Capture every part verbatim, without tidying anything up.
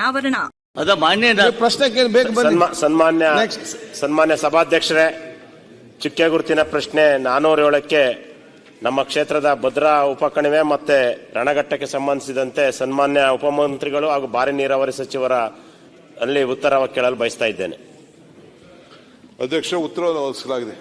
ಅನಾವರಣ. ಅದ ಮಾನ್ಯ ಪ್ರಶ್ನೆ ಸನ್ಮಾನ್ಯ ಸನ್ಮಾನ್ಯ ಸಭಾಧ್ಯಕ್ಷರೇ, ಚುಕ್ಕೆ ಗುರುತಿನ ಪ್ರಶ್ನೆ ನಾನೂರ ಏಳಕ್ಕೆ ನಮ್ಮ ಕ್ಷೇತ್ರದ ಭದ್ರಾ ಉಪಕಣಿವೆ ಮತ್ತೆ ರಣಘಟ್ಟಕ್ಕೆ ಸಂಬಂಧಿಸಿದಂತೆ ಸನ್ಮಾನ್ಯ ಉಪಮಂತ್ರಿಗಳು ಹಾಗೂ ಭಾರಿ ನೀರಾವರಿ ಸಚಿವರ ಅಲ್ಲಿ ಉತ್ತರ ಕೇಳಲು ಬಯಸ್ತಾ ಇದ್ದೇನೆ. ಅಧ್ಯಕ್ಷ, ಉತ್ತರ ಒದಗಿಸಲಾಗಿದೆ.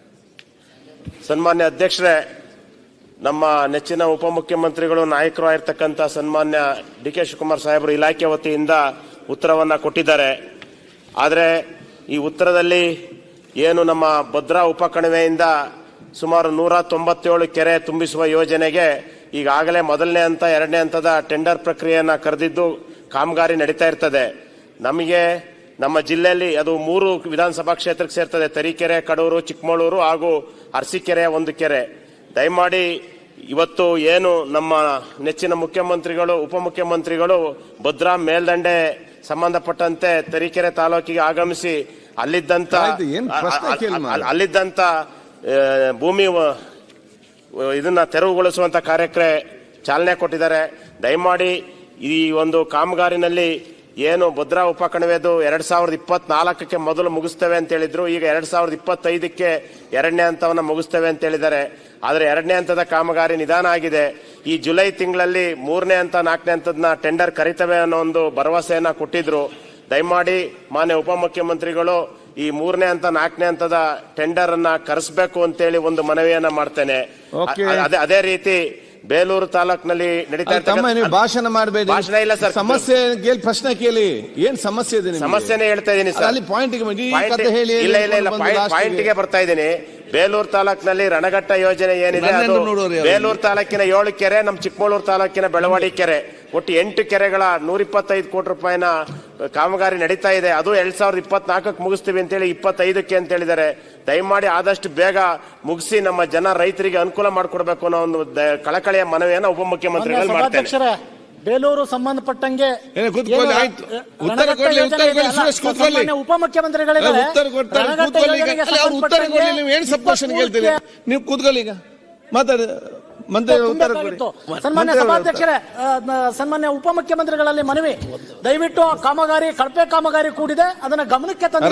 ಸನ್ಮಾನ್ಯ ಅಧ್ಯಕ್ಷರೇ, ನಮ್ಮ ನೆಚ್ಚಿನ ಉಪಮುಖ್ಯಮಂತ್ರಿಗಳು ನಾಯಕರು ಆಗಿರ್ತಕ್ಕಂಥ ಸನ್ಮಾನ್ಯ ಡಿ ಕೆ ಶಿವಕುಮಾರ್ ಸಾಹೇಬರು ಇಲಾಖೆ ವತಿಯಿಂದ ಉತ್ತರವನ್ನ ಕೊಟ್ಟಿದ್ದಾರೆ. ಆದರೆ ಈ ಉತ್ತರದಲ್ಲಿ ಏನು ನಮ್ಮ ಭದ್ರಾ ಉಪಕಣಿವೆಯಿಂದ ಸುಮಾರು ನೂರ ತೊಂಬತ್ತೇಳು ಕೆರೆ ತುಂಬಿಸುವ ಯೋಜನೆಗೆ ಈಗಾಗಲೇ ಮೊದಲನೇ ಹಂತ ಎರಡನೇ ಹಂತದ ಟೆಂಡರ್ ಪ್ರಕ್ರಿಯೆಯನ್ನ ಕರೆದಿದ್ದು ಕಾಮಗಾರಿ ನಡೀತಾ ಇರ್ತದೆ. ನಮಗೆ ನಮ್ಮ ಜಿಲ್ಲೆಯಲ್ಲಿ ಅದು ಮೂರು ವಿಧಾನಸಭಾ ಕ್ಷೇತ್ರಕ್ಕೆ ಸೇರ್ತದೆ: ತರೀಕೆರೆ, ಕಡೂರು, ಚಿಕ್ಕಮಗಳೂರು ಹಾಗೂ ಅರಸೀಕೆರೆ ಒಂದು ಕೆರೆ. ದಯಮಾಡಿ ಇವತ್ತು ಏನು ನಮ್ಮ ನೆಚ್ಚಿನ ಮುಖ್ಯಮಂತ್ರಿಗಳು ಉಪಮುಖ್ಯಮಂತ್ರಿಗಳು ಭದ್ರಾ ಮೇಲ್ದಂಡೆ ಸಂಬಂಧಪಟ್ಟಂತೆ ತರೀಕೆರೆ ತಾಲೂಕಿಗೆ ಆಗಮಿಸಿ ಅಲ್ಲಿದ್ದಂತ ಅಲ್ಲಿದ್ದಂತ ಭೂಮಿ ಇದನ್ನ ತೆರವುಗೊಳಿಸುವಂತ ಕಾರ್ಯಕ್ಕೆ ಚಾಲನೆ ಕೊಟ್ಟಿದ್ದಾರೆ. ದಯಮಾಡಿ ಈ ಒಂದು ಕಾಮಗಾರಿನಲ್ಲಿ ಏನು ಭದ್ರಾ ಉಪಕಣಿವೆದು ಎರಡ್ ಸಾವಿರದ ಇಪ್ಪತ್ನಾಲ್ಕಕ್ಕೆ ಮೊದಲು ಮುಗಿಸ್ತೇವೆ ಅಂತ ಹೇಳಿದ್ರು. ಈಗ ಎರಡ್ ಸಾವಿರದ ಇಪ್ಪತ್ತೈದಕ್ಕೆ ಎರಡನೇ ಹಂತವನ್ನ ಮುಗಿಸ್ತೇವೆ ಅಂತ ಹೇಳಿದ್ದಾರೆ. ಆದರೆ ಎರಡನೇ ಹಂತದ ಕಾಮಗಾರಿ ನಿಧಾನ ಆಗಿದೆ. ಈ ಜುಲೈ ತಿಂಗಳಲ್ಲಿ ಮೂರನೇ ಹಂತ ನಾಲ್ಕನೇ ಹಂತದನ್ನ ಟೆಂಡರ್ ಕರಿತವೆ ಅನ್ನೋ ಒಂದು ಭರವಸೆಯನ್ನ ಕೊಟ್ಟಿದ್ರು. ದಯಮಾಡಿ ಮಾನ್ಯ ಉಪಮುಖ್ಯಮಂತ್ರಿಗಳು ಈ ಮೂರನೇ ಹಂತ ನಾಲ್ಕನೇ ಹಂತದ ಟೆಂಡರ್ ಅನ್ನ ಕರೆಸಬೇಕು ಅಂತೇಳಿ ಒಂದು ಮನವಿಯನ್ನ ಮಾಡ್ತೇನೆ. ಅದೇ ಅದೇ ರೀತಿ ಬೇಲೂರು ತಾಲೂಕಿನಲ್ಲಿ ನಡೀತಾ ಇರ್ತಕ್ಕಂಥ ಭಾಷಣ ಮಾಡಬೇಡಿ. ಭಾಷಣ ಇಲ್ಲ ಸರ್, ಸಮಸ್ಯೆ ಕೇಳಿ, ಪ್ರಶ್ನೆ ಕೇಳಿ. ಏನ್ ಸಮಸ್ಯೆ ಇದೆ? ಸಮಸ್ಯೆನೇ ಹೇಳ್ತಾ ಇದ್ದೀನಿ ಸರ್. ಅಲ್ಲಿ ಪಾಯಿಂಟ್ ಇಲ್ಲ ಇಲ್ಲ ಇಲ್ಲ ಪಾಯಿಂಟ್ಗೆ ಬರ್ತಾ ಇದ್ದೀನಿ. ಬೇಲೂರು ತಾಲೂಕಿನಲ್ಲಿ ರಣಘಟ್ಟ ಯೋಜನೆ ಏನಿದೆ ಅದು ಬೇಲೂರು ತಾಲೂಕಿನ ಏಳು ಕೆರೆ, ನಮ್ಮ ಚಿಕ್ಕಮಗಳೂರು ತಾಲೂಕಿನ ಬೆಳವಾಡಿ ಕೆರೆ, ಒಟ್ಟು ಎಂಟು ಕೆರೆಗಳ ನೂರ ಇಪ್ಪತ್ತೈದು ಕೋಟಿ ರೂಪಾಯಿನ ಕಾಮಗಾರಿ ನಡೀತಾ ಇದೆ. ಅದು ಎರಡ್ ಸಾವಿರದ ಇಪ್ಪತ್ನಾಲ್ಕಕ್ಕೆ ಮುಗಿಸ್ತೀವಿ ಅಂತೇಳಿ ಇಪ್ಪತ್ತೈದಕ್ಕೆ ಅಂತ ಹೇಳಿದ್ದಾರೆ. ದಯಮಾಡಿ ಆದಷ್ಟು ಬೇಗ ಮುಗಿಸಿ ನಮ್ಮ ಜನ ರೈತರಿಗೆ ಅನುಕೂಲ ಮಾಡಿಕೊಡ್ಬೇಕು ಅನ್ನೋ ಒಂದು ಕಳಕಳಿಯ ಮನವಿಯನ್ನ ಉಪಮುಖ್ಯಮಂತ್ರಿಗಳು ಮಾಡ್ತಾರೆ. ಬೇಲೂರು ಸಂಬಂಧಪಟ್ಟಂಗೆ ಉಪಮುಖ್ಯಮಂತ್ರಿಗಳಿಗೆ ನೀವು ಕೂತ್ಕೊಳ್ಳಿ. ಈಗ ಮಾತಾಡಿ. ಸನ್ಮಾನ್ಯ ಸಭಾಧ್ಯಕ್ಷರೇ, ಸನ್ಮಾನ್ಯ ಉಪಮುಖ್ಯಮಂತ್ರಿಗಳಲ್ಲಿ ಮನವಿ, ದಯವಿಟ್ಟು ಕಾಮಗಾರಿ ಕಳಪೆ ಕಾಮಗಾರಿ ಕೂಡಿದೆ, ಅದನ್ನ ಗಮನಕ್ಕೆ ತಂದು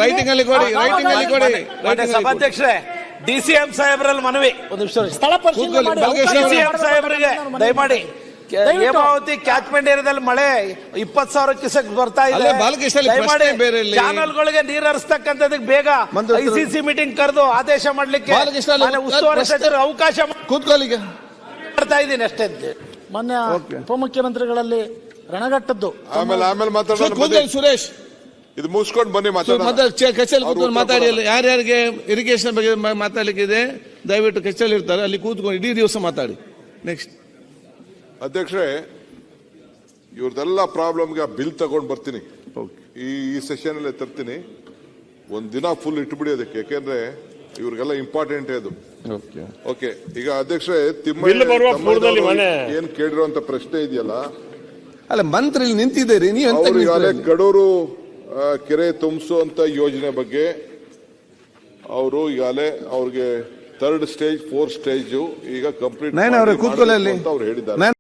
ಸಭಾಧ್ಯಕ್ಷರೇ, ಡಿಸಿಎಂ ಸಾಹೇಬರಲ್ಲಿ ಮನವಿ, ಸ್ಥಳ ಪರಿಶೀಲನೆ ಸಾಹೇಬರಿಗೆ ದಯಮಾಡಿ ಹೇಮಾವತಿ ಕ್ಯಾಚ್ಮೆಂಟ್ ಏರಿಯಾದಲ್ಲಿ ಮಳೆ ಇಪ್ಪತ್ತು ಸಾವಿರ ಕ್ಯೂಸೆಕ್ ಬರ್ತಾ ಇದೆ. ಚಾನಲ್ಗಳಿಗೆ ನೀರು ಹರಿಸ್ತಕ್ಕಂಥದಕ್ಕೆ ಬೇಗ ಐಸಿಸಿ ಮೀಟಿಂಗ್ ಕರೆದು ಆದೇಶ ಮಾಡ್ಲಿಕ್ಕೆ ಉಸ್ತುವಾರಿ ಸಚಿವರು ಅವಕಾಶ ಕೂತ್ಕೊಳ್ಳಿ ಮಾಡ್ತಾ ಇದ್ದೀನಿ ಅಷ್ಟೇ. ಮೊನ್ನೆ ಉಪಮುಖ್ಯಮಂತ್ರಿಗಳಲ್ಲಿ ರಣಘಟ್ಟದ್ದು ಆಮೇಲೆ ಆಮೇಲೆ ಮಾತಾಡೋಣ. ಸುರೇಶ್, ಇದು ಮುಗಿಸ್ಕೊಂಡು ಬನ್ನಿ ಮಾತಾಡೋಣ. ಮಾತಾಡಿ. ಯಾರ್ಯಾರಿಗೆ ಇರಿಗೇಷನ್ ಬಗ್ಗೆ ಮಾತಾಡ್ಲಿಕ್ಕೆ ಇದೆ ದಯವಿಟ್ಟು ಕೆಚ್ಚಲ್ಲಿ ಇರ್ತಾರೆ, ಅಲ್ಲಿ ಕೂತ್ಕೊಂಡು ಇಡೀ ದಿವಸ ಮಾತಾಡಿ. ನೆಕ್ಸ್ಟ್ ಅಧ್ಯಕ್ಷರೇ, ಇವ್ರದೆಲ್ಲ ಪ್ರಾಬ್ಲಮ್ಗೆ ಬಿಲ್ ತಗೊಂಡು ಬರ್ತೀನಿ. ಈ ಈ ಸೆಷನ್ ಅಲ್ಲೇ ತರ್ತೀನಿ. ಒಂದ್ ದಿನ ಫುಲ್ ಇಟ್ಬಿಡಿ ಅದಕ್ಕೆ, ಯಾಕೆಂದ್ರೆ ಇವ್ರಿಗೆಲ್ಲ ಇಂಪಾರ್ಟೆಂಟ್ ಅದು. ಓಕೆ, ಈಗ ಅಧ್ಯಕ್ಷರೇ, ತಿಮ್ಮಯ್ಯ ಏನ್ ಕೇಳಿರುವಂತ ಪ್ರಶ್ನೆ ಇದೆಯಲ್ಲ, ಅಲ್ಲ ಮಂತ್ರಿ ನಿಂತಿದ್ದೀರಿ ನೀವು, ಈಗಾಗಲೇ ಕಡೂರು ಕೆರೆ ತುಂಬಿಸುವಂತ ಯೋಜನೆ ಬಗ್ಗೆ ಅವರು ಈಗಾಗಲೇ ಅವ್ರಿಗೆ ಥರ್ಡ್ ಸ್ಟೇಜ್ ಫೋರ್ತ್ ಸ್ಟೇಜ್ ಈಗ ಕಂಪ್ಲೀಟ್ ಕೂತ್ಕೊಳ್ಳಿ ಅವ್ರು ಹೇಳಿದ್ದಾರೆ.